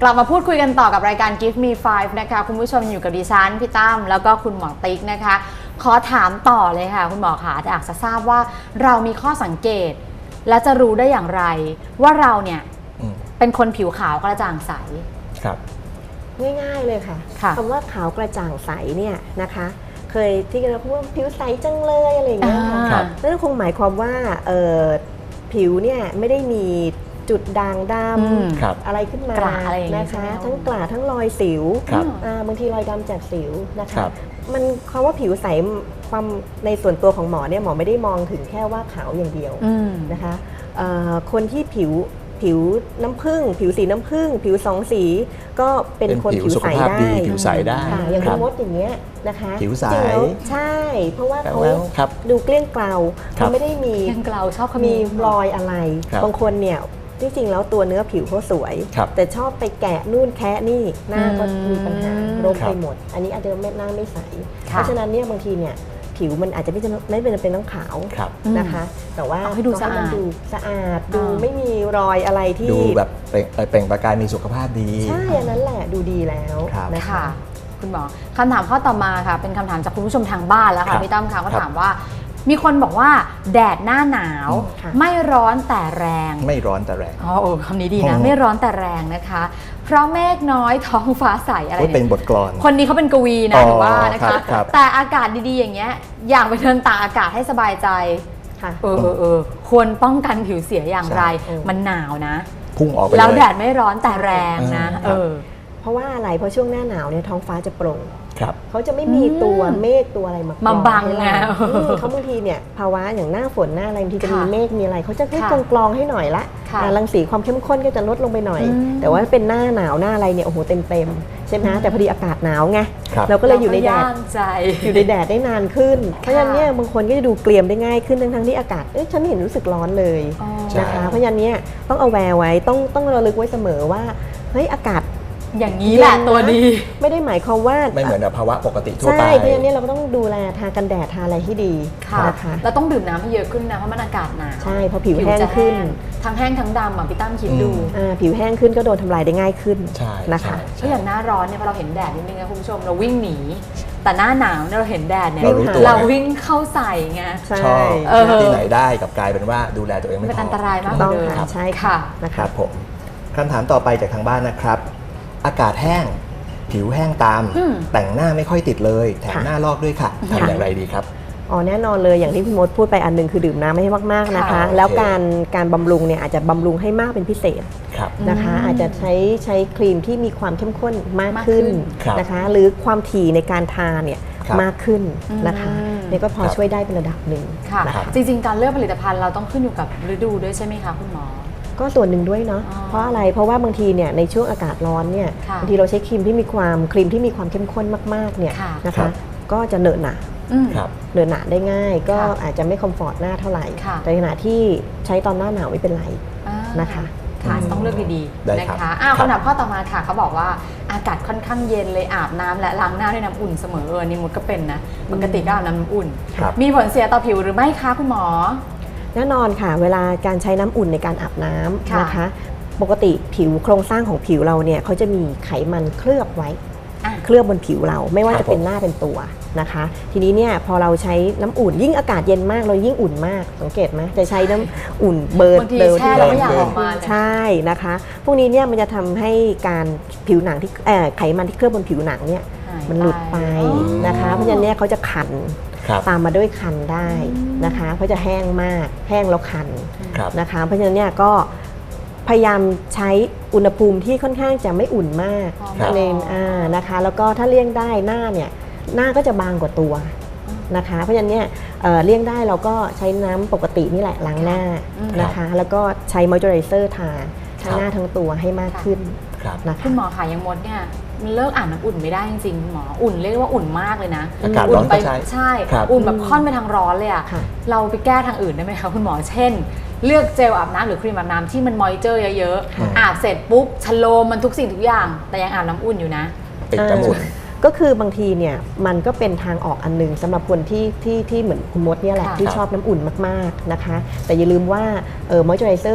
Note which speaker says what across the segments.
Speaker 1: กลับมาพูดคุยกันต่อกับรายการ Give Me 5 นะคะคุณผู้ชมอยู่กับดิฉันพี่ตั้มแล้วก็คุณหมอติ๊กนะคะขอถามต่อเลยค่ะคุณหมอคะอยากจะทราบว่าเรามีข้อสังเกตและจะรู้ได้อย่างไรว่าเราเนี่ยเป็นคนผิวขาวกระจ่างใส
Speaker 2: ครับ
Speaker 3: ง่ายๆเลยค่ะคำว่าขาวกระจ่างใสเนี่ยนะคะเคยที่เราพูดว่าผิวใสจังเลยอะไรอย่างเงี้ยค่ะนั่นคงหมายความว่าผิวเนี่ยไม่ได้มีจุดด่างดำอะไรขึ้นมานะคะทั้งกระทั้งรอยสิวบางทีรอยดำจากสิวนะคะมันคำว่าผิวใสความในส่วนตัวของหมอเนี่ยหมอไม่ได้มองถึงแค่ว่าขาวอย่างเดียวนะคะคนที่ผิวน้ำผึ้งผิวสีน้ำผึ้งผิวสองสีก็เป็นคนผิวใสได้
Speaker 2: ผิวใสได้
Speaker 3: อย่างพี่มดอย่างเงี้ยนะคะ
Speaker 2: ผิวใส
Speaker 3: ใช่เพราะว่าเขาดูเกลี้ยงเกลาเขาไม่ได้มี
Speaker 1: เกลี้ยงเกลาชอบ
Speaker 3: มีรอยอะไรบางคนเนี่ยจริงๆแล้วตัวเนื้อผิวเขาสวยแต่ชอบไปแกะนู่นแคะนี่หน้าก็มีปัญหารกไปหมดอันนี้อาจจะหน้าไม่ใสเพราะฉะนั้นเนี่ยบางทีเนี่ยผิวมันอาจจะไม่เป็นต้องขาวนะคะแต่ว่า
Speaker 1: ให้ดูสะ
Speaker 3: อาดดูไม่มีรอยอะไรที่
Speaker 2: ดูแบบเปล่งประกายมีสุขภาพดี
Speaker 3: ใช่อันนั้นแหละดูดีแล้ว
Speaker 1: นะคะคุณหมอคำถามข้อต่อมาค่ะเป็นคำถามจากคุณผู้ชมทางบ้านแล้วค่ะพี่ตั้มค่ะเขาถามว่ามีคนบอกว่าแดดหน้าหนาวไม่ร้อนแต่แรง
Speaker 2: ไม่ร้อนแต่แรง
Speaker 1: คำนี้ดีนะไม่ร้อนแต่แรงนะคะเพราะเมฆน้อยท้องฟ้าใสอะไร
Speaker 2: เป็นบทกลอน
Speaker 1: คนนี้เขาเป็นกวีนะถือว่านะคะแต่อากาศดีๆอย่างเงี้ยอย่างไปเดินตากอากาศให้สบายใจควรป้องกันผิวเสียอย่างไรมันหนาวนะ
Speaker 2: พุ่งออกไป
Speaker 1: แล้วแดดไม่ร้อนแต่แรงนะ
Speaker 3: เพราะว่าอะไรเพราะช่วงหน้าหนาวเนี่ยท้องฟ้าจะโปร่งเขาจะไม่มีตัวเมฆตัวอะไร
Speaker 1: มาบังไง
Speaker 3: เขาบางทีเนี่ยภาวะอย่างหน้าฝนหน้าอะไรบางทีจะมีเมฆมีอะไรเขาจะให้กรองให้หน่อยละรังสีความเข้มข้นก็จะลดลงไปหน่อยแต่ว่าเป็นหน้าหนาวหน้าอะไรเนี่ยโอ้โหเต็มใช่ไหมแต่พอดีอากาศหนาวไงเราก็เลยอยู่ในแดดอยู่ในแดดได้นานขึ้นเพราะฉะนั้นเนี่ยบางคนก็จะดูเกรียมได้ง่ายขึ้นทั้งที่อากาศฉันไม่เห็นรู้สึกร้อนเลยนะคะเพราะฉะนั้นเนี่ยต้องเอาแวร์ไว้ต้องระลึกไว้เสมอว่าเฮ้ยอากาศ
Speaker 1: อย่างนี้แหละตัวดี
Speaker 3: ไม่ได้หมายความว่า
Speaker 2: ไม่เหมือนภาวะปกติทั่วไป
Speaker 3: ใช่เพราะฉะนั้นเราก็ต้องดูแลทากันแดดทาอะไรให้ดี
Speaker 1: นะคะแล้วต้องดื่มน้ำให้เยอะขึ้นนะเพราะมันอากาศหนาว
Speaker 3: ใช่เพราะผิวแห้งขึ้น
Speaker 1: ทั้งแห้งทั้งดำพี่ตั้มคิดดู
Speaker 3: ผิวแห้งขึ้นก็โดนทำลายได้ง่ายขึ้นนะคะ
Speaker 1: ถ้าอย่างหน้าร้อนเนี่ยพอเราเห็นแดดนิดนึงนะคุณผู้ชมเราวิ่งหนีแต่หน้าหนาวเราเห็นแดดเนี่ยเราวิ่งเข้าใส่ไง
Speaker 2: ชอบที่ไหนได้กับกลายเป็นว่าดูแลตัวเองไม่พอ
Speaker 1: เป็นอันตรายมากเลย
Speaker 3: ใช่ค่ะ
Speaker 2: นะครับผมคำถามต่อไปจากทางบ้านนะครับอากาศแห้งผิวแห้งตามแต่งหน้าไม่ค่อยติดเลยแถมหน้าลอกด้วยค่ะทำอย่างไรดีครับ
Speaker 3: แน่นอนเลยอย่างที่พี่มดพูดไปอันนึงคือดื่มน้ำให้มากๆนะคะแล้วการบำรุงเนี่ยอาจจะบำรุงให้มากเป็นพิเศษนะคะอาจจะใช้ครีมที่มีความเข้มข้นมากขึ้นนะคะหรือความถี่ในการทาเนี่ยมากขึ้นนะคะนี่ก็พอช่วยได้เป็นระดับหนึ่ง
Speaker 1: จริงๆการเลือกผลิตภัณฑ์เราต้องขึ้นอยู่กับฤดูด้วยใช่ไหมคะคุณหมอ
Speaker 3: ก็ส่วนหนึ่งด้วยเนาะเพราะอะไรเพราะว่าบางทีเนี่ยในช่วงอากาศร้อนเนี่ยบางทีเราใช้ครีมที่มีความเข้มข้นมากๆเนี่ยนะคะก็จะเหนอะหนะได้ง่ายก็อาจจะไม่คอมฟอร์ตหน้าเท่าไหร่แต่ขณะที่ใช้ตอนหน้าหนาวไม่เป็นไรนะคะ
Speaker 1: ต้องเลือกดีๆนะคะคำถามข้อต่อมาค่ะเขาบอกว่าอากาศค่อนข้างเย็นเลยอาบน้ำและล้างหน้าด้วยน้ำอุ่นเสมอนี่มดก็เป็นนะปกติก็อาบน้ำอุ่นมีผลเสียต่อผิวหรือไม่คะคุณหมอ
Speaker 3: แน่นอนค่ะเวลาการใช้น้ำอุ่นในการอาบน้ำนะคะปกติผิวโครงสร้างของผิวเราเนี่ยเขาจะมีไขมันเคลือบไว้เคลือบบนผิวเราไม่ว่าจะเป็นหน้าเป็นตัวนะคะทีนี้เนี่ยพอเราใช้น้ำอุ่นยิ่งอากาศเย็นมากเรายิ่งอุ่นมากสังเกตไหมจะใช้น้ำอุ่นเบิร์น
Speaker 1: ที่เราไม่อยากออกมา
Speaker 3: ใช่นะคะพวกนี้เนี่ยมันจะทำให้การผิวหนังที่ไขมันที่เคลือบบนผิวหนังเนี่ยมันหลุดไปนะคะเพราะฉะนั้นเนี่ยเขาจะคันตามมาด้วยคันได้นะคะเพราะจะแห้งมากแห้งแล้วคันนะคะเพราะฉะนั้นเนี่ยก็พยายามใช้อุณหภูมิที่ค่อนข้างจะไม่อุ่นมากนะคะแล้วก็ถ้าเลี่ยงได้หน้าเนี่ยหน้าก็จะบางกว่าตัวนะคะเพราะฉะนั้นเนี่ยเลี่ยงได้เราก็ใช้น้ำปกตินี่แหละล้างหน้านะคะแล้วก็ใช้มอยเจอไรเซอร์ทาทั้งหน้าทั้งตัวให้มากขึ้น
Speaker 1: นะคะคุณหมอค่ะยังมดเนี่ยมันเลิกอาบน้ำอุ่นไม่ได้จริงๆหมออุ่นเรียกว่าอุ่นมากเลยนะ
Speaker 2: อากาศร้อนไป
Speaker 1: ใช่อุ่นแบบค่อนไปทางร้อนเลยอะเราไปแก้ทางอื่นได้ไหมคะคุณหมอเช่นเลือกเจลอาบน้ำหรือครีมอาบน้ำที่มันมอยเจอร์เยอะๆอาบเสร็จปุ๊บชโลมมันทุกสิ่งทุกอย่างแต่ยังอาบน้ำอุ่นอยู่นะ
Speaker 2: ติดน้ำอุ่น
Speaker 3: ก็คือบางทีเนี่ยมันก็เป็นทางออกอันนึงสำหรับคนที่เหมือนคุณมดเนี่ยแหละที่ชอบน้ำอุ่นมากๆนะคะแต่อย่าลืมว่ามอยเจอไรเซอร์ท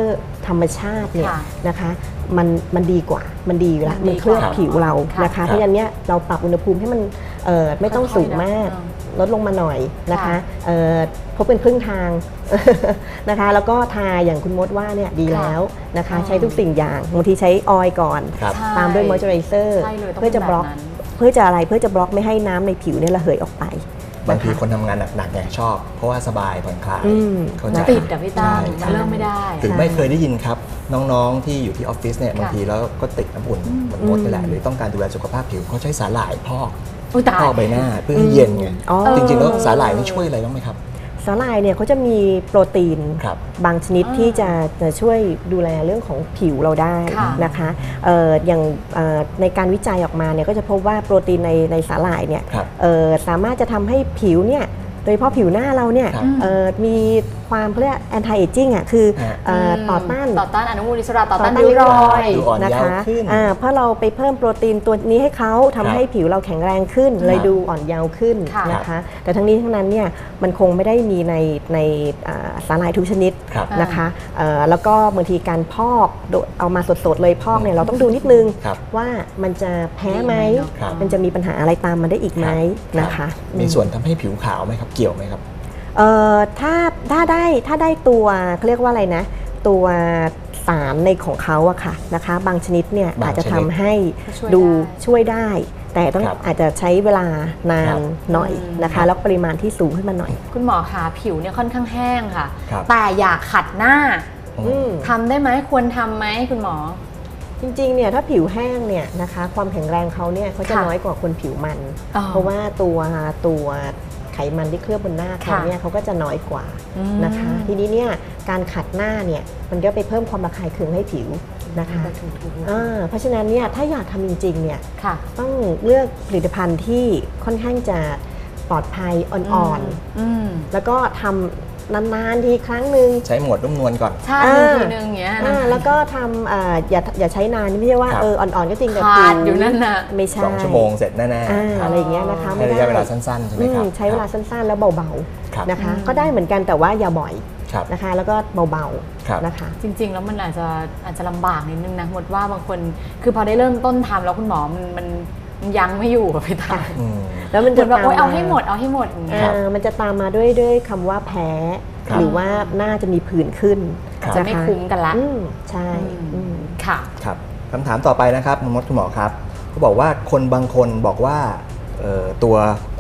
Speaker 3: ธรรมชาติเนี่ย
Speaker 1: ค่ะ
Speaker 3: นะคะมันดีกว่ามันดีอยู่แล้ว
Speaker 1: มัน
Speaker 3: มันเคลือบ
Speaker 1: ดีกว่า
Speaker 3: ผิวเรา
Speaker 1: ค่ะ
Speaker 3: นะคะเพราะฉะนั้นเนี่ยเราปรับอุณหภูมิให้มันไม่ต้องสูงมาก
Speaker 1: ค่อยๆ
Speaker 3: ลดลงมาหน่อยนะคะ
Speaker 1: ค่ะ
Speaker 3: พบเป็นครึ่งทาง นะคะแล้วก็ทาอย่างคุณมดว่าเนี่ยดีแล้วนะคะ
Speaker 1: อ๋อ
Speaker 3: ใช้ทุกสิ่งอย่างบางทีใช้ออยล์ก่อน
Speaker 2: ครับ
Speaker 1: ใช่
Speaker 3: ตามด้วยมอยเจอไรเซอร์
Speaker 1: ใช่เลยต้อง
Speaker 3: เพื่อจะบล็อก
Speaker 1: แบบนั้น
Speaker 3: เพื่อจะอะไรเพื่อจะบล็อกไม่ให้น้ำในผิวเนี่ยระเหยออกไป
Speaker 2: บางที
Speaker 3: ะะ
Speaker 2: คนทำงานหนักๆไงชอบ เพราะว่าสบายผ่อนคลาย
Speaker 3: อืม
Speaker 2: เข้าใจ
Speaker 1: ติดอะพี่ตั้ม
Speaker 2: ใช่
Speaker 1: มันเริ่มไม่ได้
Speaker 2: หรือไม่เคยได้ยินครับ น้องๆที่อยู่ที่ออฟฟิศเนี่ยบางทีแล้วก็ติดน้ำอุ่นเหมือนมดนี่แหละหรือต้องการดูแลสุขภาพผิวเขาใช้สาหร่ายพอก
Speaker 1: อุ๊ยตาย
Speaker 2: พอกใบหน้าเพื่อให้เย็นไง
Speaker 3: อ๋อ
Speaker 2: จริงๆแล้วสาหร่ายนี่ช่วยอะไรบ้างไหมครับ
Speaker 3: สาหร่ายเนี่ยเขาจะมีโปรตีน
Speaker 2: ครับ
Speaker 3: บางชนิดที่จะช่วยดูแลเรื่องของผิวเราได้
Speaker 1: ค่ะ
Speaker 3: นะคะอย่างในการวิจัยออกมาเนี่ยก็จะพบว่าโปรตีนในสาหร่ายเนี่ย
Speaker 2: ครับ
Speaker 3: สามารถจะทำให้ผิวเนี่ยโดยเฉพาะผิวหน้าเราเนี่ย
Speaker 2: ครับ
Speaker 3: มีความเขาเรียก anti aging อ่ะคือต่อต้าน
Speaker 1: อนุมูลอิสระต่อต้านริ้วรอย
Speaker 2: ดูอ่อน
Speaker 3: นะ
Speaker 2: เยาว์
Speaker 3: คะ
Speaker 2: ขึ้น
Speaker 3: เพราะเราไปเพิ่มโปรตีนตัวนี้ให้เขาทำให้ผิวเราแข็งแรงขึ้น เลยดูอ่อนเยาว์ขึ้น
Speaker 1: ค่ะ
Speaker 3: นะคะ แต่ทั้งนี้ทั้งนั้นเนี่ยมันคงไม่ได้มีในสาหร่ายทุกชนิด
Speaker 2: ครับ
Speaker 3: นะคะแล้วก็บางทีการพอกเอามาสดๆเลยพอกเนี่ยเราต้องดูนิดนึง
Speaker 2: ครับ
Speaker 3: ว่ามันจะแพ้ไหม
Speaker 2: ครับ
Speaker 3: มันจะมีปัญหาอะไรตามมาได้อีกไหม
Speaker 2: รับ
Speaker 3: นะคะ
Speaker 2: มีส่วนทำให้ผิวขาวไหมครับ เกี่ยวไหมครับ
Speaker 3: ถ้าได้ตัวเขาเรียกว่าอะไรนะ ตัวสารในของเขาอะค่ะนะคะ บางชนิดเนี่ย
Speaker 2: บาง
Speaker 3: อาจจะ
Speaker 2: ชนิด
Speaker 3: ทำให้
Speaker 1: ช่วย
Speaker 3: ดู
Speaker 1: ได้
Speaker 3: ช่วยได้ แต่ต้อง
Speaker 2: ครับ
Speaker 3: อาจจะใช้เวลานาน
Speaker 2: ครับ
Speaker 3: หน่อยนะคะ แล้วปริมาณที่สูงขึ้นมาหน่อย
Speaker 1: คุณหมอคะผิวเนี่ยค่อนข้างแห้งค่ะ
Speaker 2: ครับ
Speaker 1: แต่อยากขัดหน้า
Speaker 3: อืม
Speaker 1: ทำได้ไหมควรทำไหมคุณหมอ
Speaker 3: จริงๆเนี่ยถ้าผิวแห้งเนี่ยนะคะความแข็งแรงเขาเนี่ยเขาจะ
Speaker 1: ค่ะ
Speaker 3: น้อยกว่าคนผิวมัน
Speaker 1: อ๋อ
Speaker 3: เพราะว่าตัวไขมันที่เคลือบบนหน้าเขา
Speaker 1: ค่ะ
Speaker 3: เนี่ยเขาก็จะน้อยกว่า
Speaker 1: อืม
Speaker 3: นะคะ ทีนี้เนี่ยการขัดหน้าเนี่ยมันก็ไปเพิ่มความระคายเคืองให้ผิวนะคะ
Speaker 1: ถูก
Speaker 3: เพราะฉะนั้นเนี่ยถ้าอยากทำจริงๆเนี่ย
Speaker 1: ค่ะ
Speaker 3: ต้องเลือกผลิตภัณฑ์ที่ค่อนข้างจะปลอดภัยอ่อน
Speaker 1: ม
Speaker 3: ๆแล้วก็ทำนานๆทีครั้งหนึ่ง
Speaker 2: ใช้หมวดนุ่มนวลก่อน
Speaker 1: ชาติหนึ่งทีนึงอย่างเงี้ยนะ
Speaker 3: แล้วก็ทำอย่าใช้นานไม่ใช่ว่า
Speaker 2: ครับ
Speaker 3: อ่อนๆก็จริงแต่
Speaker 1: ขาด
Speaker 3: ผิว
Speaker 1: อยู่นั่นน่ะ
Speaker 3: ไม่ใช่
Speaker 2: 2 ชั่วโมงเสร็จแน่ๆ
Speaker 3: อะไรอย่างเงี้ยนะคะ
Speaker 2: ให้ระยะเวลาสั้นๆใช่ไหมครับ
Speaker 3: ใช้เวลาสั้นๆแล้วเบา
Speaker 2: ครับ
Speaker 3: ๆนะคะก็ได้เหมือนกันแต่ว่าอย่าบ่อย
Speaker 2: ครับ
Speaker 3: นะคะ แล้วก็เบา
Speaker 2: ครับ
Speaker 3: ๆนะคะ
Speaker 1: จริง ๆ แล้วมันอาจจะลำบากนิดนึงนะหมดว่าบางคนคือพอได้เริ่มต้นทำแล้วคุณหมอมันยังไม่อยู่อะพี่ตา
Speaker 2: อืม
Speaker 3: แล้วมัน
Speaker 1: เหมื
Speaker 3: จะ
Speaker 1: อนแบบ
Speaker 3: ตาม
Speaker 1: โอ๊ยเอา
Speaker 3: มา
Speaker 1: ให้หมดอย่างเงี้ย
Speaker 3: มันจะตามมาด้วยคำว่าแพ้
Speaker 2: ครับ
Speaker 3: หรือว่าหน้าจะมีผื่นขึ้น
Speaker 2: ครับ
Speaker 1: จะไม่คุ้มกันละ
Speaker 3: ใช่อืม
Speaker 1: ค่ะ
Speaker 2: ครับคำถามต่อไปนะครับคุณมดคุณหมอครับเขาบอกว่าคนบางคนบอกว่าตัว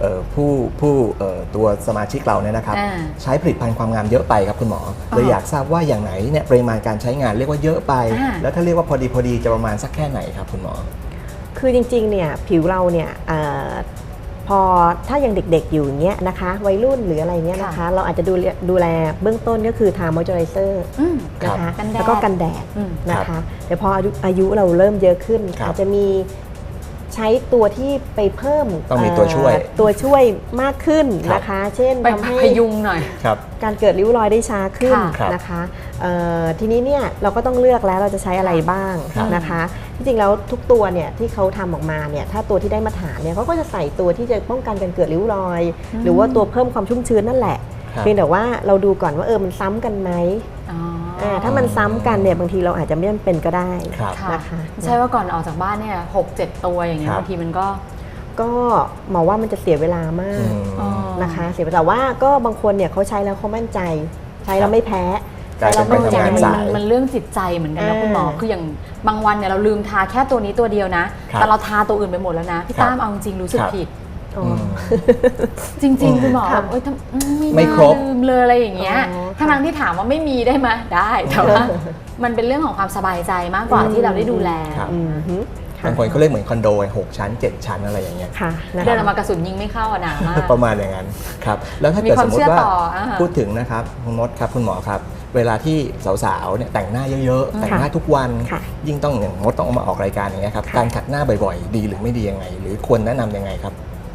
Speaker 2: ตัวสมาชิกเราเนี่ยนะครับ
Speaker 1: อ่า
Speaker 2: ใช้ผลิตภัณฑ์ความงามเยอะไปครับคุณหมอเลยอยากทราบว่าอย่างไหนเนี่ยปริมาณการใช้งานเรียกว่าเยอะไป
Speaker 1: อ่า
Speaker 2: แล้วถ้าเรียกว่าพอดีจะประมาณสักแค่ไหนครับคุณหมอ
Speaker 3: คือจริงๆเนี่ยผิวเราเนี่ยพอถ้ายังเด็กๆอยู่อย่างเงี้ยนะคะวัยรุ่นหรืออะไรเงี้ยนะคะ เราอาจจะดูแลเบื้องต้นก็คือทามอยเจอไรเซอร์
Speaker 1: อืม
Speaker 3: นะคะ
Speaker 1: กันแดด
Speaker 3: แล้วก็กันแดด
Speaker 1: อืม
Speaker 3: นะคะแต่พออายุเราเริ่มเยอะขึ้น
Speaker 2: ครับ
Speaker 3: อาจจะมีใช้ตัวที่ไปเพิ่ม
Speaker 2: ต้องมีตัวช่วย
Speaker 3: ตัวช่วยมากขึ้น
Speaker 2: ครับ
Speaker 3: นะคะ เช่น
Speaker 1: ไป
Speaker 3: ทำให้
Speaker 1: พยุงหน่อย
Speaker 2: ครับ
Speaker 3: การเกิดริ้วรอยได้ช้าขึ้น
Speaker 2: ครับ
Speaker 3: นะคะทีนี้เนี่ยเราก็ต้องเลือกแล้วเราจะใช้อะไรบ้าง
Speaker 2: ครับ
Speaker 3: นะคะที่จริงแล้วทุกตัวเนี่ยที่เขาทำออกมาเนี่ยถ้าตัวที่ได้มาตรฐานเนี่ยเขาก็จะใส่ตัวที่จะป้องกันการเกิดริ้วรอย หรือว่าตัวเพิ่มความชุ่มชื้นนั่นแหละ
Speaker 2: ครับ
Speaker 3: เพียงแต่ว่าเราดูก่อนว่ามันซ้ำกันไหม ถ้ามันซ้ำกันเนี่ยบางทีเราอาจจะไม่จำเป็นก็ได้
Speaker 2: ครับ
Speaker 1: ค่ะ
Speaker 3: นะคะ
Speaker 1: ไม่ใช่ว่าก่อนออกจากบ้านเนี่ย6-7 ตัวอย่างเงี้ย
Speaker 2: ครับ
Speaker 1: บางทีมันก็
Speaker 3: ก็หมอว่ามันจะเสียเวลามาก
Speaker 2: อืม
Speaker 3: นะคะเสียเวลาแต่ว่าก็บางคนเนี่ยเขาใช้แล้วเขามั่นใจ ใช้แล้วไม่แพ้
Speaker 2: กลาย
Speaker 3: ใช้
Speaker 2: เป็
Speaker 3: แล้ว
Speaker 2: น
Speaker 3: มั่นใจ
Speaker 2: ไปทำงานสาย
Speaker 1: มันเรื่องจิตใจเหมือนกันนะคุณหมอคืออย่างบางวันเนี่ยเราลืมทาแค่ตัวนี้ตัวเดียวนะ
Speaker 2: ครับ
Speaker 1: แต่เราทาตัวอื่นไปหมดแล้วนะพี่
Speaker 2: ครับ
Speaker 1: ตั้มเอาจริงๆรู้สึก
Speaker 2: ครับ
Speaker 1: ผิด
Speaker 3: อ๋อ
Speaker 2: อืม
Speaker 1: จริง ๆ คุณหมอ
Speaker 3: ค่ะ
Speaker 1: แบบเอ้ยทำไม่
Speaker 2: ไม่
Speaker 1: น่า
Speaker 2: ครบ
Speaker 1: ลืมเลยอะไรอย่างเงี้ย
Speaker 3: อ๋อค่ะ
Speaker 1: ทั้งที่ถามว่าไม่มีได้ไหมได้แต่ว่ามันเป็นเรื่องของความสบายใจมากกว่าที่เราได้ดูแล
Speaker 2: ครับ
Speaker 3: อืมฮึ
Speaker 2: บางคนเขาเรียกเหมือนคอนโด6 ชั้น 7 ชั้นอะไรอย่างเงี้ย
Speaker 3: ค่ะนะ
Speaker 1: เดินอ
Speaker 3: คะ
Speaker 1: อกมากระสุนยิงไม่เข้าอะหนามาก
Speaker 2: ประมาณอย่างนั้นครับแล้วถ้า
Speaker 1: มี
Speaker 2: เกิด
Speaker 1: ควา
Speaker 2: ส
Speaker 1: ม
Speaker 2: มม
Speaker 1: เชื่
Speaker 2: ติ
Speaker 1: อ
Speaker 2: ว่า
Speaker 1: ต่อา
Speaker 2: พูดถึงนะครับคุณมดครับคุณหมอครับเวลาที่สาวๆเนี่ยแต่งหน้าเยอะๆ แต่งหน้าทุกวัน
Speaker 3: ค่ะ
Speaker 2: ยิ่งต้องอย่างมดต้องเอามาออกรายการอย่างเงี้ยครับ
Speaker 3: ค่ะ
Speaker 2: การขัดหน้าบ่อยๆ ดีหรือไม่ดียังไง หรือควรแนะนำยังไงครับ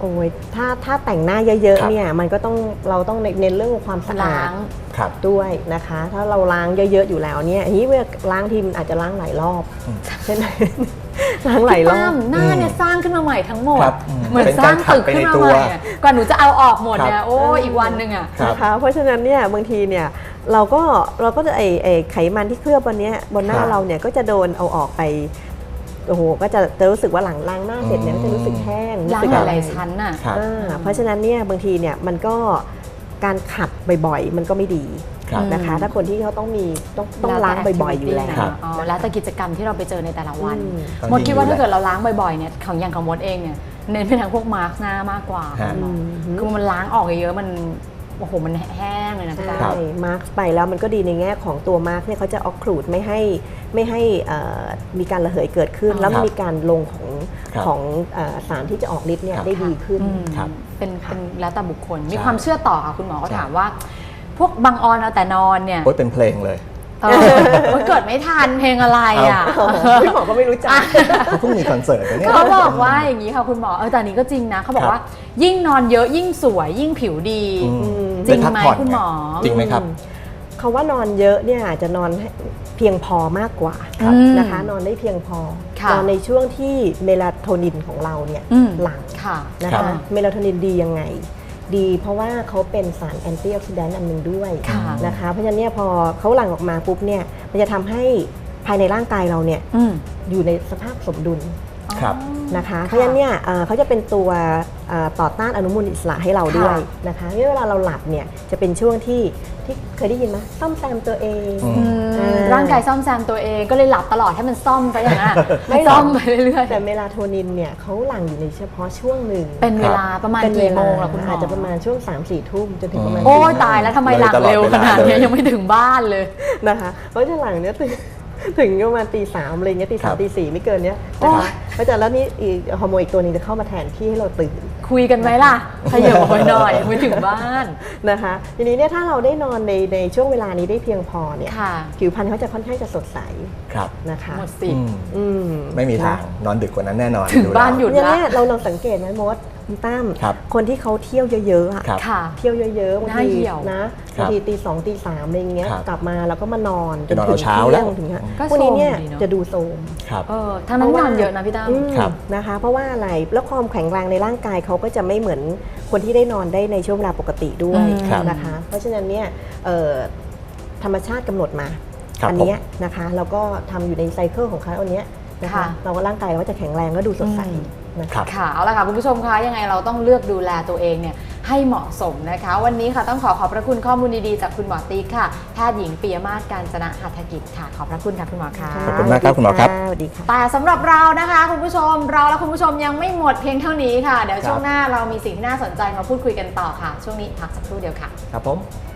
Speaker 3: โอ้ยถ้าแต่งหน้าเยอะ
Speaker 2: ครับ
Speaker 3: ๆเนี่ยมันก็ต้องเราต้องเน้นเรื่องความสะอา
Speaker 1: ล้า
Speaker 3: ด
Speaker 1: ง
Speaker 2: ครับ
Speaker 3: ด้วยนะคะ ถ้าเราล้างเยอะๆอยู่แล้วเนี่ยทีนี้เวลาล้างทีมันอาจจะล้างหลายรอบ
Speaker 2: อืม
Speaker 3: ใช่ไหม ล้างหลายรอ
Speaker 1: ตั้
Speaker 3: บ
Speaker 1: มหน้าเนี่ยสร้างขึ้นมาใหม่ทั้งหมด
Speaker 2: ครับ
Speaker 1: เหมือน
Speaker 2: เป็น
Speaker 1: ส
Speaker 2: กา
Speaker 1: ร้าร ง
Speaker 2: ขัด
Speaker 1: ตึก
Speaker 2: ไป
Speaker 1: ขึ้น
Speaker 2: ใน
Speaker 1: มา
Speaker 2: ตัว
Speaker 1: ใหม่อะก่อนหนูจะเอาออกหมดเนี่
Speaker 2: ครั
Speaker 1: ย
Speaker 2: บ
Speaker 1: โอ้อีกวันหนึ่งอ่ะ
Speaker 2: ครับ
Speaker 3: นะคะเพราะฉะนั้นเนี่ยบางทีเนี่ยเราก็จะไอไขมันที่เคลือบบนเนี้ยบนหน้า
Speaker 2: ครับ
Speaker 3: เราเนี่ยก็จะโดนเอาออกไปโอ้โหก็จะรู้สึกว่าหลังล้างหน้าเสร็จเนี่ยก็จะรู้สึกแห้ง
Speaker 1: ล้าง
Speaker 3: รู้สึก
Speaker 1: ห
Speaker 3: อะไร
Speaker 1: ลายๆชั้นน่ะ
Speaker 2: ครับ
Speaker 3: เพราะฉะนั้นเนี่ยบางทีเนี่ยมันก็การขัดบ่อยๆ มันก็ไม่ดี
Speaker 2: ครับ
Speaker 3: นะคะ ถ้าคนที่เขาต้องล้างบ่อยๆอยู่แล้ว
Speaker 2: ครับ
Speaker 1: อ๋อแล้วแต่กิจกรรมที่เราไปเจอในแต่ละวัน
Speaker 3: อืม
Speaker 1: มดคิดว่าถ้าเกิดเราล้างบ่อยๆเนี่ยของอย่างของมดเองเนี่ยเน้นไปทางพวกมาร์กหน้ามากกว่า
Speaker 2: ฮะ
Speaker 1: คือมันล้างออกเยอะๆมันโอ้โหมันแห้งเลยนะพี่
Speaker 3: ใช่
Speaker 1: ตา
Speaker 3: มาร์กไปแล้วมันก็ดีในแง่ของตัวมาร์กเนี่ยเขาจะออกคลูดไม่ให้มีการระเหยเกิดขึ้น
Speaker 1: อ๋อ
Speaker 3: แล้ว
Speaker 2: ครับ
Speaker 3: มีการลงของ
Speaker 2: ครับ
Speaker 3: ของสารที่จะออกฤทธิ์เนี่ย
Speaker 2: ครับ
Speaker 3: ได้ดีขึ้น
Speaker 1: อืม
Speaker 2: ครับ
Speaker 1: เป็นแล้วแต่บุคคล มี
Speaker 2: ใช่
Speaker 1: ความเชื่อต่อค่ะคุณหมอก็
Speaker 2: ใช่
Speaker 1: ถามว่า พวกบางออนเอาแต่นอนเนี่ย
Speaker 2: โอ๊ยเป็นเพลงเลย
Speaker 1: มันเกิดไม่ทันเพลงอะไรอ่ะ
Speaker 3: พี่หมอก็ไม่รู้จัก
Speaker 2: เขาเพิ่งมีคอนเสิร์ตนะเนี่ย
Speaker 1: เขาบอกว่าอย่างนี้ค่ะคุณหมอแต่อันนี้ก็จริงนะเขาบอกว่า ยิ่งนอนเยอะยิ่งสวยยิ่งผิวดี
Speaker 2: อืม
Speaker 1: จริงไหม
Speaker 2: ได้พักผ่อน
Speaker 1: คุณหมอ
Speaker 2: จริงไหมครับ
Speaker 3: เขาว่านอนเยอะเนี่ยอาจจะนอนให้เพียงพอมากกว่า
Speaker 1: ครับ
Speaker 3: นะคะ นอนได้เพียงพอ
Speaker 1: ค่ะ
Speaker 3: นอนในช่วงที่เมลาโทนินของเราเนี่ย
Speaker 1: อืม
Speaker 3: หลั่ง
Speaker 1: ค่ะ
Speaker 3: นะ
Speaker 2: ครั
Speaker 3: คะ
Speaker 2: บ
Speaker 3: เมลาโทนินดียังไง ดีเพราะว่าเขาเป็นสารแอนตี้ออกซิแดนต์อันหนึ่งด้วย
Speaker 1: ค่ะ
Speaker 3: นะคะเพราะฉะนั้นเนี่ยพอเขาหลั่งออกมาปุ๊บเนี่ยมันจะทำให้ภายในร่างกายเราเนี่ย
Speaker 1: อืม
Speaker 3: อยู่ในสภาพสมดุล
Speaker 2: ครับ
Speaker 3: นะคะเพราะฉะนั้นเนี่ยเขาจะเป็นตัวต่อต้านอนุมูลอิสระให้เราด้วยนะคะเวลาเราหลับเนี่ยจะเป็นช่วงที่เคยได้ยินไหมซ่อมแซมตัวเอง
Speaker 2: อืม
Speaker 1: ร่างกายซ่อมแซมตัวเองก็เลยหลับตลอดให้มันซ่อมไปอย่างนั้นอะ
Speaker 3: ไม่หรอก
Speaker 1: ซ่อมไปเรื่อย
Speaker 3: แต่เมลาโทนินเนี่ยเขาหลั่งอยู่ในเฉพาะช่วงหนึ่ง
Speaker 1: ๆเป็นเวลาประมาณ
Speaker 3: เป็นเว
Speaker 1: กี่โม
Speaker 3: ลาง
Speaker 1: ล่ะคุณหมอ
Speaker 3: อาจจะประมาณช่วง 3-4 ทุ่มจนถึงประมาณ
Speaker 1: โอ้ย
Speaker 3: ตี
Speaker 1: ตายแล้วทำไมหลัง
Speaker 2: เลยตลอด
Speaker 1: เร็วขนาด
Speaker 2: เวลา
Speaker 1: นี้
Speaker 2: เลย
Speaker 1: ยังไม่ถึงบ้านเลย
Speaker 3: นะคะเพราะจะหลังเนี่ยถึงประมาณตี 3อะไรเงี้ยตี
Speaker 2: ครั
Speaker 3: 3
Speaker 2: บ
Speaker 3: ตี 4ไม่เกินเนี้ย
Speaker 1: โอ้
Speaker 3: นะคะ
Speaker 1: ย
Speaker 3: เพราะฉะนั้นแล้วนี่อีกฮอร์โมนอีกตัวหนึงจะเข้ามาแทนที่ให้เราตื่น
Speaker 1: คุยกันไหมล่ะขยับออกไปหน่อยยังไม่ถึงบ้าน
Speaker 3: นะคะทีนี้เนี่ยถ้าเราได้นอนในช่วงเวลานี้ได้เพียงพอเนี่ย
Speaker 1: ค่ะ
Speaker 3: ผิวพรรณเขาจะค่อนข้างจะสดใส
Speaker 2: ครับ
Speaker 3: นะคะ
Speaker 1: หมดสิท
Speaker 2: อื
Speaker 1: ธิ์
Speaker 2: ม
Speaker 3: อืม
Speaker 2: ไม่มีทางนอนดึกกว่านั้นแน่นอน
Speaker 1: ถึงบ้านหยุด
Speaker 3: อย่างเนี้ยเราลองสังเกตไหมมดคุณตั้ม
Speaker 2: ครับ
Speaker 3: คนที่เขาเที่ยวเยอะๆอะ
Speaker 2: ครับ
Speaker 1: ค่ะ
Speaker 3: เที่ยวเยอะๆบาง
Speaker 1: หน้า
Speaker 3: ที
Speaker 1: เหี่ยว
Speaker 3: นะครับ บางทีตี 2 ตี 3อะไรเงี้ย
Speaker 2: ครับ
Speaker 3: กลับมาแล้วก็มานอน
Speaker 2: จะนอน
Speaker 3: ถึ
Speaker 2: เอา
Speaker 3: ง
Speaker 2: เช้า
Speaker 3: ที่
Speaker 2: แล้ว
Speaker 3: ยงถึงฮะ
Speaker 1: ก็
Speaker 3: พวกนี้เนี่ย
Speaker 1: โทรมดีเนอะ
Speaker 3: จะดูโทรม
Speaker 2: ครับ
Speaker 1: ทั้งนั้นนอนเยอะนะพี่ตั้ม
Speaker 2: ครับ
Speaker 3: นะคะ เพราะว่าอะไรแล้วความแข็งแรงในร่างกายเขาก็จะไม่เหมือนคนที่ได้นอนได้ในช่วงเวลาปกติด้วย
Speaker 2: ครับ
Speaker 3: นะคะ เพราะฉะนั้นเนี่ยธรรมชาติกำหนดมา
Speaker 2: ครับ
Speaker 3: อัเนี้ยนะคะแล้วก็ทำอยู่ในไซเคิลของเขาอันเนี้ยนะคะ
Speaker 1: ค่ะ
Speaker 3: เราก็ร่างกายเราก็จะแข็งแรงก็ดูสดใสนะ
Speaker 2: ครั
Speaker 3: คะ
Speaker 2: บ
Speaker 1: ค่ะเอาละค่ะคุณผู้ชมคะยังไงเราต้องเลือกดูแลตัวเองเนี่ยให้เหมาะสมนะคะ วันนี้ค่ะต้องขอบพระคุณข้อมูลดีๆจากคุณหมอติ๊กค่ะแพทย์หญิงปิยมาศกาญจนะหัตถกิจค่ะขอบพระคุณค่ะคุณหมอค่ะ
Speaker 2: ขอบคุณมากครับคุณหมอครับ
Speaker 3: สวัสดีค่ะ
Speaker 1: แต่สำหรับเรานะคะคุณผู้ชมเราและคุณผู้ชมยังไม่หมดเพียงเท่านี้ค่ะเดี๋ยวช่วงหน้าเรามีสิ่งที่น่าสนใจมาพูดคุยกันต่อค่ะ ช่วงนี้พักสักครู่เดียวค่ะ
Speaker 2: ครับผม